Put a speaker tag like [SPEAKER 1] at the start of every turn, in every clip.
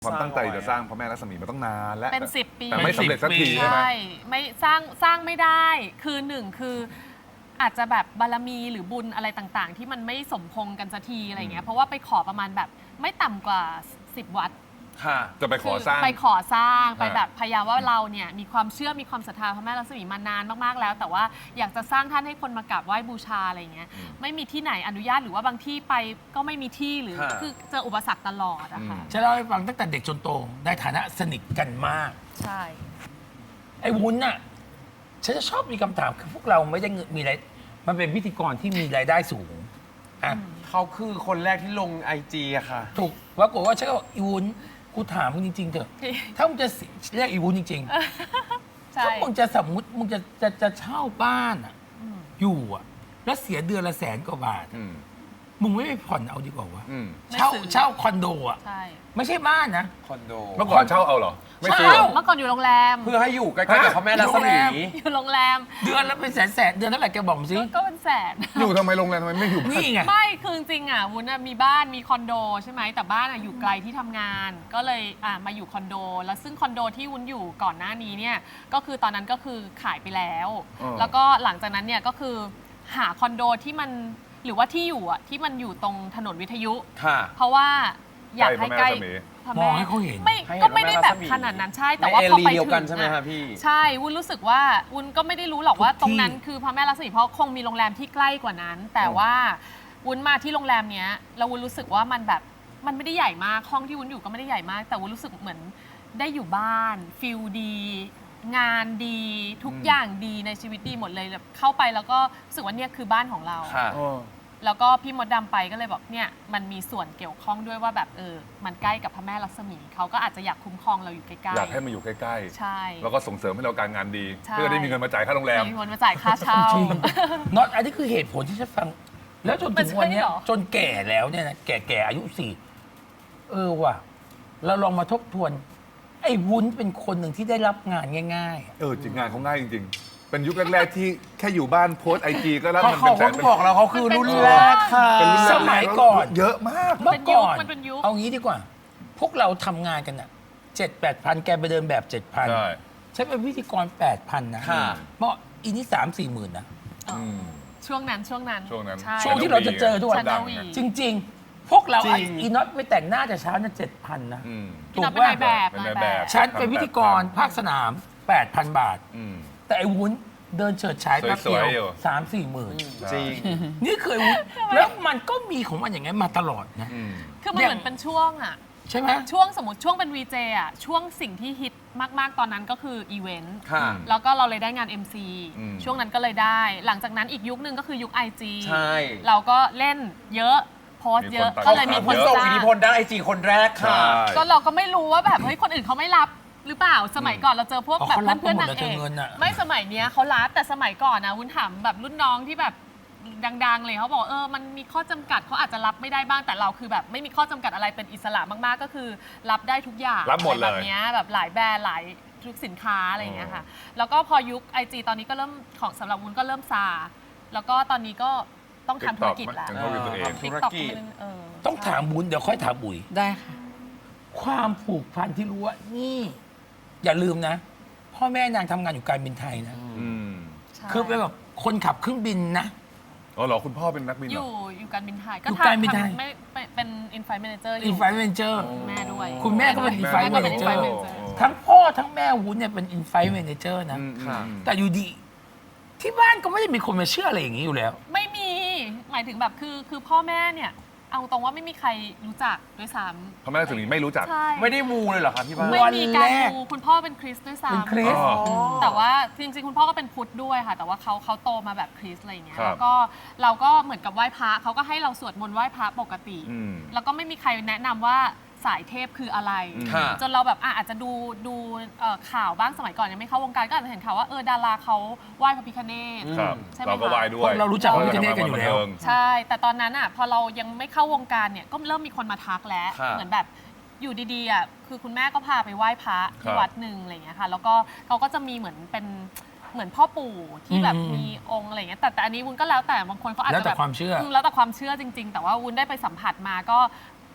[SPEAKER 1] ความตั้งใจจะสร้างพระแม่ลักษมีมาต้องนานและ
[SPEAKER 2] เป็น10 ปี
[SPEAKER 1] แต่ไม่สำเร็จสักทีใช่ไหม
[SPEAKER 2] ใช่ไม่สร้างไม่ได้คือหนึ่งคืออาจจะแบบบารมีหรือบุญอะไรต่างๆ ที่มันไม่สมพงษ์กันสักทีอะไรเงี้ยเพราะว่าไปขอประมาณแบบไม่ต่ำกว่า10 วัด
[SPEAKER 1] จะไปขอสร้าง
[SPEAKER 2] ไปขอสร้างไป
[SPEAKER 1] ฮะ
[SPEAKER 2] แบบพยายามว่าเราเนี่ยมีความเชื่อมีความศรัทธาพระแม่ลักษมีมานานมากๆแล้ว แต่ว่าอยากจะสร้างท่านให้คนมากราบไหว้บูชาอะไรเงี้ยไม่มีที่ไหนอนุญาตหรือว่าบางที่ไปก็ไม่มีที่หรือ
[SPEAKER 3] ฮะ
[SPEAKER 2] คือเจออุปสรรคตลอดอะค่ะ
[SPEAKER 4] จะเล่าให้ฟังตั้งแต่เด็กจนโตในฐานะสนิทกันมาก
[SPEAKER 2] ใช่
[SPEAKER 4] ไอ้วุ้นน่ะฉันจะชอบมีคำถามคือพวกเราไม่ได้มีอะไรมันเป็นพิธีกรที่มีรายได้สูงอ่ะ
[SPEAKER 3] เขาคือคนแรกที่ลงไอจีอะค่ะ
[SPEAKER 4] ถูกปรากฏว่าฉันก็บอกอีวุ้นกูถามมึงจริงๆเถอะถ้ามึงจะเรียกอีวุ้นจริงๆ
[SPEAKER 2] ใช่
[SPEAKER 4] ถ้ามึงจะสมมติมึงจะเช่าบ้านอ่ะอยู่อ่ะแล้วเสียเดือนละ100,000 กว่าบาท
[SPEAKER 1] อืม
[SPEAKER 4] มึงไม่ไปผ่อนเอาดีกว่าวะ
[SPEAKER 1] อืม
[SPEAKER 4] เช่าคอนโดอ่ะ
[SPEAKER 2] ใช่
[SPEAKER 4] ไม่ใช่บ้านนะ
[SPEAKER 3] คอนโด
[SPEAKER 1] เมื่อก่อนเช่าเอาเหรอ ไม่ซื้อ
[SPEAKER 4] เช่า
[SPEAKER 1] เหรอ
[SPEAKER 2] เมื่อก่อนอยู่โรงแรม
[SPEAKER 3] เพื่อให้อยู่ใกล้ๆกับพระแม่รัศมี
[SPEAKER 2] อยู่โรงแรม
[SPEAKER 4] เดือนละเป็นแสนเดือนเท่าไหร่แกบอกมาสิ
[SPEAKER 2] ก็เป็นแสน
[SPEAKER 1] อยู่ทำไมโรงแรมทำไมไม่อยู่บ้าน
[SPEAKER 4] นี่ไง
[SPEAKER 2] ไม่คือจริงๆอ่ะวุ้นอะมีบ้านมีคอนโดใช่ไหมแต่บ้านอะอยู่ไกลที่ทำงาน ก็เลยมาอยู่คอนโด แล้วซึ่งคอนโดที่วุ้นอยู่ก่อนหน้านี้เนี่ยก็คือตอนนั้นก็คือขายไปแล้ว แล้วก็หลังจากนั้นเนี่ยก็คือหาคอนโดที่มันหรือว่าที่อยู่อ่ะที่มันอยู่ตรงถนนวิทยุ
[SPEAKER 3] ค่ะ
[SPEAKER 2] เพราะว่าอยากให้ใกล้
[SPEAKER 1] ใกล้พระแม่รัศมี
[SPEAKER 2] พระ
[SPEAKER 4] มองให้เขาเห็น
[SPEAKER 2] ไม่
[SPEAKER 3] ให้เห็น
[SPEAKER 2] ก็ไม่ได้แบบ
[SPEAKER 3] พระแม่รัศมี
[SPEAKER 2] ขนาดนั้นใช่
[SPEAKER 3] ใน
[SPEAKER 2] แต่ว่า
[SPEAKER 3] เอ
[SPEAKER 2] พอ
[SPEAKER 3] รี
[SPEAKER 2] ไป
[SPEAKER 3] เดียว
[SPEAKER 2] ถึ
[SPEAKER 3] กัน
[SPEAKER 2] ง
[SPEAKER 3] ใช่ไหม
[SPEAKER 2] อะ
[SPEAKER 3] คะพี่
[SPEAKER 2] ใช่วุ้นรู้สึกว่าวุ้นก็ไม่ได้รู้หรอกว่า
[SPEAKER 4] ทุกที่
[SPEAKER 2] ตรงนั้นคือพระแม่ลักษมีเพราะคงมีโรงแรมที่ใกล้กว่านั้น แต่ว่าวุ้นมาที่โรงแรมเนี้ยแล้ววุ้นรู้สึกว่ามันแบบมันไม่ได้ใหญ่มากห้องที่วุ้นอยู่ก็ไม่ได้ใหญ่มาก แต่วุ้นรู้สึกเหมือนได้อยู่บ้านฟิลดี งานดีทุกอย่างดีในชีวิตดีหมดเลยแบบเข้าไปแล้วก็รู้สึกว่าเนี่ยคือบ้านของเรา
[SPEAKER 3] ค่ะ
[SPEAKER 2] แล้วก็พี่มดดำไปก็เลยบอกเนี่ยมันมีส่วนเกี่ยวข้องด้วยว่าแบบมันใกล้กับพระแม่ลักษมีเขาก็อาจจะอยากคุ้มครองเราอยู่ใกล้ๆ
[SPEAKER 1] อยากให้มาอยู่ใกล้
[SPEAKER 2] ใช่
[SPEAKER 1] ๆ แล้วก็ส่งเสริมให้เราการงานดี
[SPEAKER 2] ใช่
[SPEAKER 1] เพื่อได้มีเงินมาจ่ายค่าโรงแรม
[SPEAKER 2] มีคนมาจ่ายค่าเช่า
[SPEAKER 4] จริงน็อตอันนี้คือเหตุผลที่ฉันฟัง แล้วจนถึงวันเนี้ย
[SPEAKER 2] มันใช่เหรอ
[SPEAKER 4] จนแก่แล้วเนี่ยนะแก่อายุว่ะเราลองมาทบทวน ไอ้วุ้นเป็นคนหนึ่งที่ได้รับงานง่าย
[SPEAKER 1] จริงงานเขาง่ายจริงๆ เป็นยุคแรกๆที่แค่อยู่บ้านโพสไอจีก็รับ
[SPEAKER 3] เขา
[SPEAKER 1] เงิน
[SPEAKER 3] เขา
[SPEAKER 1] เป็นแสน
[SPEAKER 3] ก็บอกแล้วเขาคือรุ่นแรกค่ะ
[SPEAKER 1] เป็นรุ่นแร
[SPEAKER 4] ส
[SPEAKER 1] ก
[SPEAKER 4] มัยก่อน
[SPEAKER 1] เยอะมาก
[SPEAKER 4] ๆ เมื่อก่อน
[SPEAKER 2] มันเป็นยุค
[SPEAKER 4] เอางี้ดีกว่า พวกเราทำงานกันอ่ะ7-8 พันแกไปเดินแบบ 7,000
[SPEAKER 1] ใช่
[SPEAKER 4] ฉันเป็นพิธีกร 8,000 นะ
[SPEAKER 3] ค่ะ
[SPEAKER 4] เมื่ออีนี่3-4 หมื่นนะ
[SPEAKER 1] อืม
[SPEAKER 2] ช่วงนั้น
[SPEAKER 1] ช่วงนั้น
[SPEAKER 2] ใช่
[SPEAKER 4] ช่วงที่เราจะเจอทุกวัน
[SPEAKER 2] ชันนาวี
[SPEAKER 4] จริง ๆ พวกเรา
[SPEAKER 3] จริง
[SPEAKER 4] อีน็อตไปแต่งหน้าแต่เช้านะ7,000 นะ
[SPEAKER 1] อืม
[SPEAKER 2] พี่น็อตเป็นนายแบบ
[SPEAKER 1] เป็นนายแบบ
[SPEAKER 4] ฉันเป็นพิธีกรภาคสนาม 8,000 บาท
[SPEAKER 1] อืม
[SPEAKER 4] แต่ไอ้วุ้นเดินเฉิดฉายแป๊บเดียว
[SPEAKER 1] สวยๆอยู่
[SPEAKER 4] 3-4 หมื่น
[SPEAKER 3] จริง
[SPEAKER 4] นี่เคยวุ้นแล้วมันก็มีของมันอย่างนั้นมาตลอดนะ
[SPEAKER 1] อืม
[SPEAKER 2] คือมันเหมือนเป็นช่วงอ่ะ
[SPEAKER 4] ใช่ไหม
[SPEAKER 2] ช่วงสมมติช่วงเป็น VJ อ่ะช่วงสิ่งที่ฮิตมากๆตอนนั้นก็คืออีเวนต์
[SPEAKER 3] ค่ะ
[SPEAKER 2] แล้วก็เราเลยได้งาน MC
[SPEAKER 1] อืม
[SPEAKER 2] ช่วงนั้นก็เลยได้ หลังจากนั้นอีกยุคนึงก็คือยุค IG
[SPEAKER 3] ใช่
[SPEAKER 2] เราก็เล่นเยอะโพสต์เยอะ
[SPEAKER 1] มีคน
[SPEAKER 2] ก็เลยมี
[SPEAKER 1] ตาม
[SPEAKER 2] คน
[SPEAKER 3] ผู้ทรง
[SPEAKER 2] จ้า
[SPEAKER 3] อิทธิพลด้านไอจีคนแรกค่ะ
[SPEAKER 1] ใช่
[SPEAKER 2] ก็เราก็ไม่รู้ว่าแบบเฮ้ยคนอื่นเขาไม่รับหรือเปล่าสมัยก่อนเราเจอพวก
[SPEAKER 4] อ๋อ
[SPEAKER 2] แบบ
[SPEAKER 4] เขารับ
[SPEAKER 2] เพื่อนๆ
[SPEAKER 4] กันหมด
[SPEAKER 2] นาง
[SPEAKER 4] เลย
[SPEAKER 2] เอก
[SPEAKER 4] เงินอะ
[SPEAKER 2] ไม่สมัยเนี้ยเขารับแต่สมัยก่อนนะวุ้นถามแบบรุ่นน้องที่แบบดังๆเลยเขาบอกมันมีข้อจำกัดเขาอาจจะรับไม่ได้บ้างแต่เราคือแบบไม่มีข้อจำกัดอะไรเป็นอิสระมากๆ ก็คือรับได้ทุกอย่าง
[SPEAKER 1] รับหมดเลย
[SPEAKER 2] แบบเนี้ยแบบหลายแบรนด์หลายทุกสินค้าอะไรอย่างเงี้ยค่ะแล้วก็พอยุค IG ตอนนี้ก็เริ่มของสำหรับวุ้นก็เริ่มซาแล้วก็ตอนนี้ก็ต้องทำธุรกิจแล้ว
[SPEAKER 1] เป็นธุรกิจตัวเอง
[SPEAKER 3] ธุรกิจ
[SPEAKER 2] TikTok
[SPEAKER 4] ต้องถามบุญเดี๋ยวค่อยถามบุ๋ย
[SPEAKER 5] ได้ค่ะ
[SPEAKER 4] ความผูกพันที่รู้ว่านี่ อย่าลืมนะ พ่อแม่นางทำงานอยู่การบินไทยนะ
[SPEAKER 1] อืม
[SPEAKER 2] ใช่
[SPEAKER 4] คือเป็นแบบคนขับเครื่องบินนะ
[SPEAKER 1] อ๋อเหรอคุณพ่อเป็นนักบิน
[SPEAKER 2] อ
[SPEAKER 1] เหรอ
[SPEAKER 2] ยู่การบินไทย
[SPEAKER 4] อยู่การบินไทย
[SPEAKER 2] ไม่เป็นอินไฟเมเจอร์
[SPEAKER 4] อินไฟเมนเจอร์
[SPEAKER 2] แม่ด้วย
[SPEAKER 4] คุณแม่ก็เป็น
[SPEAKER 1] แม่
[SPEAKER 4] Inflight
[SPEAKER 2] ก็เป็น
[SPEAKER 4] Manager
[SPEAKER 2] Inflight Manager
[SPEAKER 4] ทั้งพ่อทั้งแม่วุ้นเนี่ยเป็นอินไฟเมนเจอร์นะ
[SPEAKER 1] อืม
[SPEAKER 3] ค่ะ
[SPEAKER 4] แต่อยู่ดี ที่บ้านก็ไม่ได้มีคนมาเชื่ออะไรอย่างนี้อยู่แล้ว
[SPEAKER 2] ไม่มีหมายถึงแบบคือพ่อแม่เนี่ย เอาตรงว่าไม่มีใครรู้จักด้วยซ้
[SPEAKER 1] พระแม่ลักษมีไม่รู้จัก
[SPEAKER 2] ำใช่
[SPEAKER 3] ไม่ได้มูเลยเหรอคะที่บ้าน
[SPEAKER 2] ไม่มีการ
[SPEAKER 4] วันแรก
[SPEAKER 2] ดูคุณพ่อเป็นคริสต์ด้วย
[SPEAKER 4] เป็นค
[SPEAKER 2] ซ้ำ
[SPEAKER 4] ริส
[SPEAKER 1] อ๋อ
[SPEAKER 2] แต่ว่าจริงๆคุณพ่อก็เป็นพุทธด้วยค่ะ แต่ว่าเขาโตมาแบบคริสต์อะไรอย่างเงี้ย
[SPEAKER 1] ครับ
[SPEAKER 2] แล้วก็เราก็เหมือนกับไหว้พระเขาก็ให้เราสวดมนต์ไหว้พระปกติ
[SPEAKER 1] อืม
[SPEAKER 2] แล้วก็ไม่มีใครแนะนำว่าสายเทพคืออะไร
[SPEAKER 3] ค่ะ
[SPEAKER 2] จนเราแบบอาจจะดูข่าวบ้างสมัยก่อนยังไม่เข้าวงการก็อาจจะเห็นข่าวว่าดาราเขาไหว้พระพิฆเนศ
[SPEAKER 1] ครับ
[SPEAKER 2] ใช่ไหม
[SPEAKER 1] เราก็
[SPEAKER 2] คะ
[SPEAKER 1] ไหว้ด้วย
[SPEAKER 4] พวกเรารู้จักพระพิฆเนศกันอยู่แล้ว
[SPEAKER 2] ใช่ แต่ตอนนั้นอ่ะพอเรายังไม่เข้าวงการเนี่ยก็เริ่มมีคนมาทักแล้ว
[SPEAKER 3] ครับ
[SPEAKER 2] เหมือนแบบอยู่ดีๆอ่ะคือคุณแม่ก็พาไปไหว้พระ
[SPEAKER 1] ครั
[SPEAKER 2] ที่
[SPEAKER 1] บ
[SPEAKER 2] วัดหนึ่งอะไรอย่างเงี้ยค่ะแล้วก็เขาก็จะมีเหมือนเป็นเหมือนพ่อปู่ที่แบบ
[SPEAKER 4] อืม
[SPEAKER 2] มีองค์อะไรอย่างเงี้ยแต่อันนี้วุ้นก็แล้วแต่บางคนเขาอาจ
[SPEAKER 4] แล้ว
[SPEAKER 2] จะ
[SPEAKER 4] แต่
[SPEAKER 2] แบบ
[SPEAKER 4] ความเชื่อ
[SPEAKER 2] แล้วแต่ความเชื่อจริง ๆ แต่ว่าวุ้นได้ไปสัมผัสมาก็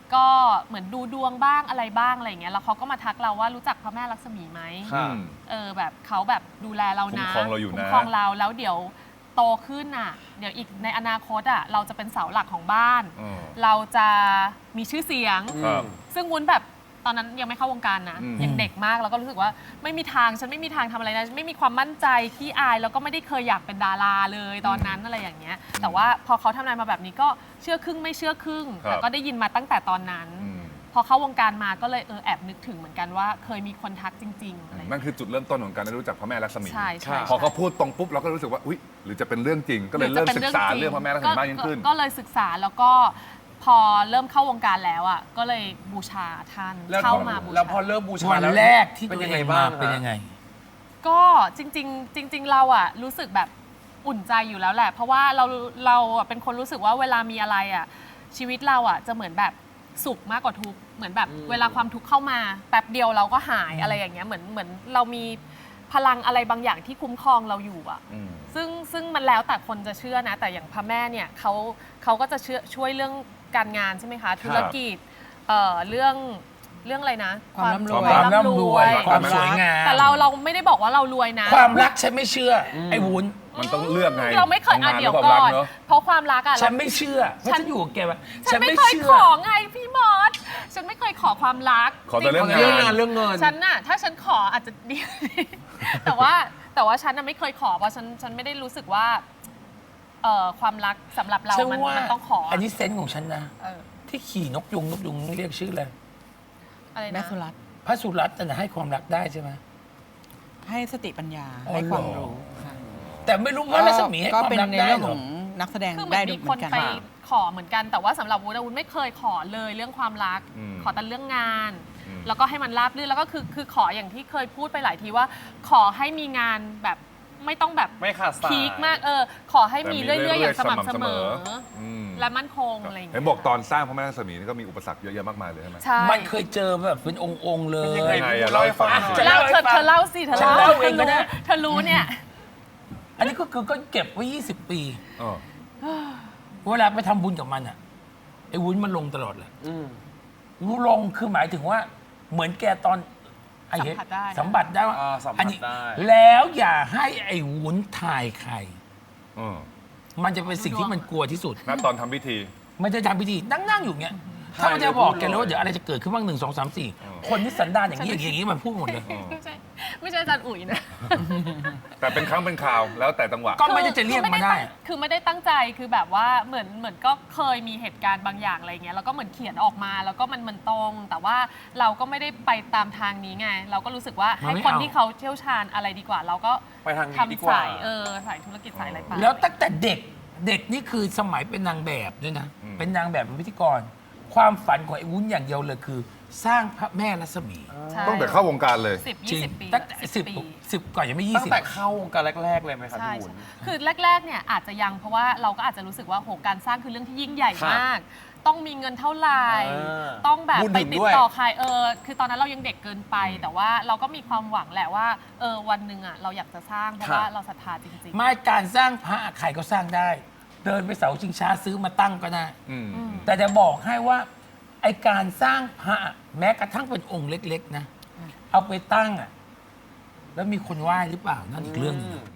[SPEAKER 2] ก็เหมือนดูดวงบ้างอะไรบ้างอะไรอย่างเงี้ยแล้วเขาก็มาทักเราว่ารู้จักพระแม่ลักษมีไหม
[SPEAKER 3] ค่ะ
[SPEAKER 2] แบบเขาแบบดูแลเรานะ
[SPEAKER 1] คุ้มครองเราอยู่นะ
[SPEAKER 2] คุ้มครองเราแล้วเดี๋ยวโตขึ้นอ่ะเดี๋ยวอีกในอนาคตอ่ะเราจะเป็นเสาหลักของบ้าน เราจะมีชื่อเสียง
[SPEAKER 1] ครับ
[SPEAKER 2] ซึ่งวุ้นแบบตอนนั้นยังไม่เข้าวงการนะ
[SPEAKER 1] อืม
[SPEAKER 2] ยังเด็กมากแล้วก็รู้สึกว่าไม่มีทางฉันไม่มีทางทำอะไรนะไม่มีความมั่นใจขี้อายแล้วก็ไม่ได้เคยอยากเป็นดาราเลยตอนนั้นอะไรอย่างเงี้ยแต่ว่าพอเขาทำนายมาแบบนี้ก็เชื่อครึ่งไม่เชื่อครึ่ง
[SPEAKER 1] ครับ
[SPEAKER 2] แต่ก็ได้ยินมาตั้งแต่ตอนนั้น
[SPEAKER 1] อืม
[SPEAKER 2] พอเข้าวงการมาก็เลยแอบนึกถึงเหมือนกันว่าเคยมีคนทักจริงๆอะไรอย่าง
[SPEAKER 1] นั่
[SPEAKER 2] เงี้ย
[SPEAKER 1] นคือจุดเริ่มต้นของการได้รู้จักพระแม่ลักษมี
[SPEAKER 2] ใช่ใช่
[SPEAKER 1] พอเขาพูดตรงปุ๊บเราก็รู้สึกว่าอุ๊ยหรือจะเป็นเรื่องจริง ก็เลยเริ่มศึกษาเรื่องพระแม่ลักษมีมากยิ่งขึ้น
[SPEAKER 2] ก็เลยศึกษาแล้วก็พอเริ่มเข้าวงการแล้วอ่ะก็เลยบูชาท่าน
[SPEAKER 3] แล้ว
[SPEAKER 2] เข้ามาบูชา
[SPEAKER 3] แล้วพอเริ่มบูชา
[SPEAKER 4] วัน
[SPEAKER 3] แล้ว
[SPEAKER 4] แรกที่
[SPEAKER 3] เป็น
[SPEAKER 4] ตัว
[SPEAKER 3] ยัง
[SPEAKER 4] เอ
[SPEAKER 3] ไง
[SPEAKER 4] ง
[SPEAKER 3] บ้าม
[SPEAKER 4] าง เป็นยังไง
[SPEAKER 2] ก็จริง ๆ เราอะรู้สึกแบบอุ่นใจอยู่แล้วแหละ เพราะว่าเราอะเป็นคนรู้สึกว่าเวลามีอะไรอะชีวิตเราอะจะเหมือนแบบสุขมากกว่าทุกข์เหมือนแบบเวลาความทุกข์เข้ามาแป๊บเดียวเราก็หายอะไรอย่างเงี้ยเหมือนเรามีพลังอะไรบางอย่างที่คุ้มครองเราอยู่อะ
[SPEAKER 1] อืม
[SPEAKER 2] ซึ่งมันแล้วแต่คนจะเชื่อนะ แต่อย่างพระแม่เนี่ยเขาก็จะช่วยเรื่องการงานใช่ไหมคะธุรกิจเรื่องอะไรนะ
[SPEAKER 5] ความร่ำรวย
[SPEAKER 4] ความร่ำรวย ความสวยงาม
[SPEAKER 2] แต่เราไม่ได้บอกว่าเรารวยนะ
[SPEAKER 4] ความรักฉันไม่เชื่ออไอ้วุ้น
[SPEAKER 1] มันต้องเลือกไง
[SPEAKER 2] เราไม่เคย
[SPEAKER 1] ทำงาน
[SPEAKER 2] เดี๋ยว
[SPEAKER 1] หรือ
[SPEAKER 2] ก่
[SPEAKER 1] เปล่า
[SPEAKER 2] อ
[SPEAKER 1] รั
[SPEAKER 2] น
[SPEAKER 1] เนอะ
[SPEAKER 2] เพราะความรักอะ
[SPEAKER 4] ฉันไม่เชื่อเพราะฉันอยู่กับแกมา
[SPEAKER 2] ฉันไม่เคยขอไงพี่มอสฉันไม่เคยขอความรัก
[SPEAKER 1] ขอแต่เรื่อง
[SPEAKER 2] จ
[SPEAKER 3] เรื่อง
[SPEAKER 2] ๆ
[SPEAKER 3] งานเรื่องเงิน
[SPEAKER 2] ฉันน่ะถ้าฉันขออาจจะดี แต่ว่าฉันน่ะไม่เคยขอเพราะฉันไม่ได้รู้สึกว่าความรักสำหรับเรา
[SPEAKER 4] ฉัน
[SPEAKER 2] มัน
[SPEAKER 4] ว่า
[SPEAKER 2] ต้องขอ
[SPEAKER 4] อันนี้เซนส์ของฉันนะ
[SPEAKER 2] เออ
[SPEAKER 4] ที่ขี่นกยุงเรียกชื่ออะไร
[SPEAKER 2] อะไร
[SPEAKER 5] แม่
[SPEAKER 2] นะ
[SPEAKER 5] สุรัตน์
[SPEAKER 4] พระสุรัตน์จะให้ความรักได้ใช่ไหม
[SPEAKER 5] ให้สติปัญญา
[SPEAKER 4] อ๋อ
[SPEAKER 5] ให้ความ
[SPEAKER 4] เหรอ
[SPEAKER 5] รู้ค่ะ
[SPEAKER 4] แต่ไม่รู้ว่ารัศมีให้
[SPEAKER 5] ก็
[SPEAKER 4] ความ
[SPEAKER 5] เป็น
[SPEAKER 4] รัก
[SPEAKER 5] ใน
[SPEAKER 4] ได้
[SPEAKER 5] เรื่อง
[SPEAKER 4] เหร
[SPEAKER 5] ข
[SPEAKER 4] อ
[SPEAKER 5] องนักแสดง
[SPEAKER 2] คือเหมื
[SPEAKER 5] ได้
[SPEAKER 2] อน
[SPEAKER 5] ดู
[SPEAKER 2] มี
[SPEAKER 5] เห
[SPEAKER 2] ค
[SPEAKER 5] มื
[SPEAKER 2] น
[SPEAKER 5] อนกัน
[SPEAKER 2] ไปขอเหมือนกัน แต่ว่าสำหรับวุ้นไม่เคยขอเลยเรื่องความรัก
[SPEAKER 1] อืม
[SPEAKER 2] ขอแต่เรื่องงาน
[SPEAKER 1] อืม
[SPEAKER 2] แล้วก็ให้มันราบรื่นแล้วก็คือขออย่างที่เคยพูดไปหลายทีว่า ขอให้มีงานแบบไม่ต้องแบบ
[SPEAKER 3] ไม่ขาดสาย
[SPEAKER 2] พีคมากขอให้มีเรื่อยๆอย่างสม่ำเสมอ
[SPEAKER 1] ม
[SPEAKER 2] และมั่นคงอะไรอย่าง
[SPEAKER 1] เห็
[SPEAKER 2] เงี้
[SPEAKER 1] น
[SPEAKER 2] ย
[SPEAKER 1] บอกตอนสร้างพระแม่ลักษมีนี่ก็มีอุปสรรคเยอะแยะมากมายเลยใช่ไหม
[SPEAKER 2] ใช่
[SPEAKER 4] มันเคยเจอแบบเป็นองค์ๆเล
[SPEAKER 3] เป็น
[SPEAKER 4] ย
[SPEAKER 3] ยังไง
[SPEAKER 1] ยังไง
[SPEAKER 3] พี่
[SPEAKER 1] อะ
[SPEAKER 3] เล่าให้ฟัง
[SPEAKER 1] เล่าให้ฟัง
[SPEAKER 3] หน่อย
[SPEAKER 2] เล่าเธอเล่าสิเธอ
[SPEAKER 4] ฉัน
[SPEAKER 2] เล่า
[SPEAKER 4] เล่าเองก็ได้
[SPEAKER 2] เธอรู้เนี่ย
[SPEAKER 4] อันนี้ก็คือก็เก็บไว้ 20 ปี
[SPEAKER 1] เออ
[SPEAKER 4] เวลาไปทำบุญกับมันอ่ะไอ้วุ้นมันลงตลอดเลย
[SPEAKER 3] อืม
[SPEAKER 4] รู้ลงคือหมายถึงว่าเหมือนแกตอนไอ้เห็น
[SPEAKER 2] สัมผัสได้
[SPEAKER 4] สัมผัสได้ว่า
[SPEAKER 3] สัม
[SPEAKER 4] อั
[SPEAKER 3] ผัส
[SPEAKER 4] นี้
[SPEAKER 3] ได้
[SPEAKER 4] แล้วอย่าให้ไอ้วุ้นถ่ายใคร
[SPEAKER 1] เออ
[SPEAKER 4] มันจะเป็นสิ่งที่มันกลัวที่สุด
[SPEAKER 1] ณตอนทำพิธี
[SPEAKER 4] มันจะทำพิธีนั่งอยู่เงี้ยถ้ามันจะบอกแกเลยว่าเดี๋ยวอะไรจะเกิดขึ้นบ้าง1 2 3 4 คนที่สันดานอย่างนี้อย่างนี้มันพูดหมดเลย
[SPEAKER 2] ไม่ใช่อาจารย์อุ๋ยนะ
[SPEAKER 1] แต่เป็นครั้งเป็นคราวแล้วแต่จังหวะ
[SPEAKER 4] ก็ไม่ได้จะเรียกมาได้
[SPEAKER 2] คือไม่ได้ตั้งใจคือแบบว่าเหมือนก็เคยมีเหตุการณ์บางอย่างอะไรเงี้ยแล้วก็เหมือนเขียนออกมาแล้วก็มันตรง แต่ว่าเราก็ไม่ได้ไปตามทางนี้ไง เราก็รู้สึกว่าให้คนที่เขาเชี่ยวชาญอะไรดีกว่า เราก็
[SPEAKER 3] ไปทางนี้ดีกว่า
[SPEAKER 2] ทำสายสายธุรกิจสายอะไรไป
[SPEAKER 4] แล้วตั้งแต่เด็กนี่คือสมัยเป็นนางแบบด้วยนะ
[SPEAKER 1] อืม
[SPEAKER 4] เป็นนางแบบเป็นพิธีกร ความฝันของไอ้วุ้นอย่างเดียวเลยคือ สร้างพระแม่รัศมี
[SPEAKER 2] ใช่
[SPEAKER 1] ตั้งแต่เข้าวงการเลย
[SPEAKER 2] 10
[SPEAKER 4] จริง
[SPEAKER 2] 20 ปี
[SPEAKER 4] ตั้งแต่
[SPEAKER 2] ปี
[SPEAKER 4] 10ก่อนยังไม่
[SPEAKER 3] ตั้งแต่
[SPEAKER 4] 20
[SPEAKER 3] เข้าวงการแรก ๆ เลยไหมครับ
[SPEAKER 2] ใช่
[SPEAKER 3] พี่วุ้น
[SPEAKER 2] คือแรกๆเนี่ยอาจจะยังเพราะว่าเราก็อาจจะรู้สึกว่าโหการสร้างคือเรื่องที่ยิ่งใหญ่
[SPEAKER 3] ครับ
[SPEAKER 2] มาก ต้องมีเงินเท่าไหร่
[SPEAKER 3] า
[SPEAKER 2] ต้องแบบ
[SPEAKER 3] บุญ
[SPEAKER 2] ไป
[SPEAKER 3] ถึง
[SPEAKER 2] ติ
[SPEAKER 3] ด้
[SPEAKER 2] ด
[SPEAKER 3] วย
[SPEAKER 2] ต่อใครคือตอนนั้นเรายังเด็กเกินไป แต่ว่าเราก็มีความหวังแหละว่าวันหนึ่งอ่ะเราอยากจะสร้างเพราะว่าเราศรัทธาจริงๆ
[SPEAKER 4] ไม่การสร้างพระใครก็สร้างได้ เดินไปเสาชิงช้าซื้อมาตั้งก็ได้
[SPEAKER 1] อืม
[SPEAKER 4] แต่จะบอกให้ว่าไอการสร้างพระแม้กระทั่งเป็นองค์เล็ก ๆ นะ เอาไปตั้งอ่ะแล้วมีคนไหว้หรือเปล่านั่นอีกเรื่องหนึงนะ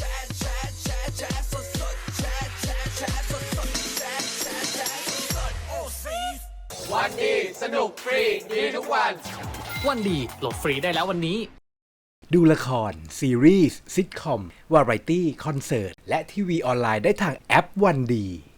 [SPEAKER 6] วันดีสนุกฟรีดีทุกวัน วันดีโหลดฟรีได้แล้ววันนี้
[SPEAKER 7] ดูละคร ซีรีส์ซิทคอม วาไรตี้ คอนเสิร์ต และทีวีออนไลน์ได้ทางแอปวันดี